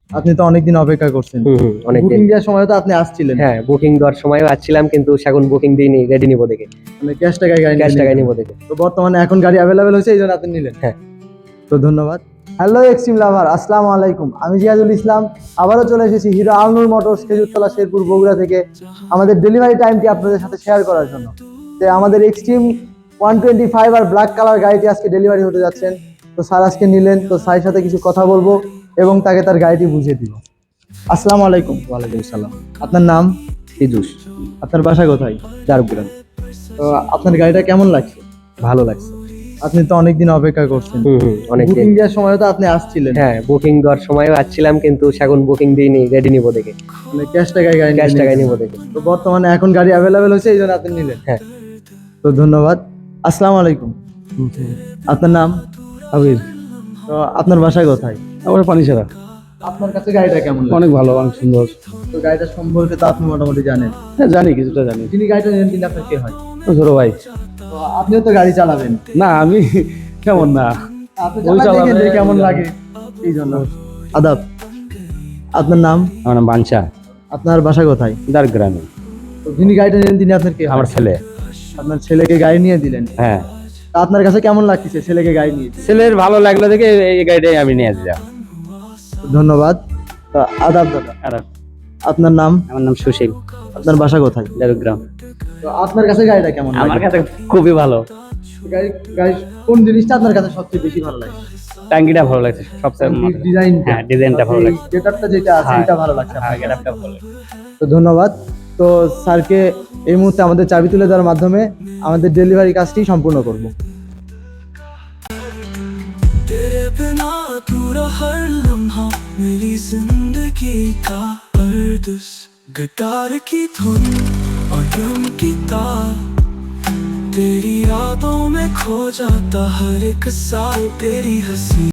আপনি তো অনেকদিন অপেক্ষা করছেন। অনেকদিন। বুকিং দেওয়ার সময় তো আপনি আসছিলেন। হ্যাঁ, বুকিং দেওয়ার সময়ও আসছিলাম, কিন্তু এখন বুকিং দিইনি, রেডি নিবো দেখে। মানে ক্যাশ টাকায় গাড়ি ক্যাশ টাকায় নিলেন। নিবো দেখে। তো বর্তমানে এখন গাড়ি অ্যাভেলেবেল হয়েছে, এই জন্য আপনি নিলেন। হ্যাঁ। তো ধন্যবাদ। হ্যালো এক্সট্রিম লাভার, আসসালামু আলাইকুম। আমি জিয়াদুল ইসলাম, আবারও চলে এসেছি হিরো আলনুর মোটরস খেজুরতলা শেরপুর বগুড়া থেকে আমাদের ডেলিভারি টাইমটি আপনাদের সাথে শেয়ার করার জন্য। তো আমাদের এক্সট্রিম 125 আর ব্ল্যাক কালার গাড়িটি আজকে ডেলিভারি হতে যাচ্ছেন। তো স্যার আজকে নিলেন, তো স্যারের সাথে কিছু কথা বলবো এবং তাকে তার গাড়িটি বুঝিয়ে দিব। আসসালামু আলাইকুম। ওয়ালাইকুম সালাম। আপনার নাম? ফিজুস। আপনার বাসা কোথায়? চারগ্রাম। তো আপনার গাড়িটা কেমন লাগছে? ভালো লাগছে। আপনি তো অনেকদিন অপেক্ষা করছেন। অনেকদিন। বুকিং দেওয়ার সময় তো আপনি আসছিলেন। হ্যাঁ, বুকিং দেওয়ার সময়ও আসছিলাম, কিন্তু এখন বুকিং দিইনি, রেডি নিবো দেখে। মানে ক্যাশ টাকায় গাড়ি ক্যাশ টাকায় নিলেন। নিবো দেখে। তো বর্তমানে এখন গাড়ি অ্যাভেলেবেল হয়েছে, এই জন্য আপনি নিলেন। হ্যাঁ। তো ধন্যবাদ। আসসালামু আলাইকুম। আপনার নাম? আবির। তো আপনার বাসায় কোথায়? আমার পানি ছাড়া। আপনার কাছে গাড়িটা কেমন লাগে? অনেক ভালো, অনেক সুন্দর। তো গাড়িটা সম্পর্কে তো আপনি মোটামুটি জানেন। হ্যাঁ, জানি, কিছুটা জানি। যিনি গাড়িটা নিলেন তিনি আপনার কে হয়? ছোট ভাই। তো আপনিও তো গাড়ি চালাবেন। না, আমি কেমন না। আপনি ওই চালান দেখেন চালাবে, যে কেমন লাগে, এই জন্য। আদাব। আপনার নাম? আমার নাম বাঞ্চা। আপনার বাসা কোথায়? গ্রামে। তো যিনি গাড়িটা নিলেন তিনি আপনার কে হয়? আমার ছেলে। আপনার ছেলেকে গাড়ি নিয়ে দিলেন। হ্যাঁ। তা আপনার কাছে কেমন লাগছে ছেলেকে গাড়ি নিয়ে? ছেলের ভালো লাগলো দেখে এই গাড়িটাই আমি নিয়ে দিলাম। ধন্যবাদ। তো আদাব দাদা। আর আপনার নাম? আমার নাম সুশীল। আপনার বাসা কোথায়? গ্রাম। তো আপনার কাছে গাড়িটা কেমন লাগে? আমার কাছে খুবই ভালো। গাড়ি কোন জিনিসটা আপনার কাছে সবচেয়ে বেশি ভালো লাগে? টাঙ্গিটা ভালো লাগছে সবচেয়ে। ডিজাইন। হ্যাঁ, ডিজাইনটা ভালো লাগছে। গেটআপটা যেটা আছে হ্যাঁ। এটা ভালো লাগছে হ্যাঁ, আপনার? গেটআপটা ভালো লাগছে। তো ধন্যবাদ। তো স্যারকে এই মুহূর্তে আমাদের চাবি তুলে দেওয়ার মাধ্যমে আমাদের ডেলিভারি কাজটি সম্পূর্ণ করব। तेरे बिना अधूरा हर लम्हा मेरी जिंदगी का अर्दस गिटार की धुन और ड्रम की तार तेरी यादों में खो जाता हर एक साल तेरी हंसी।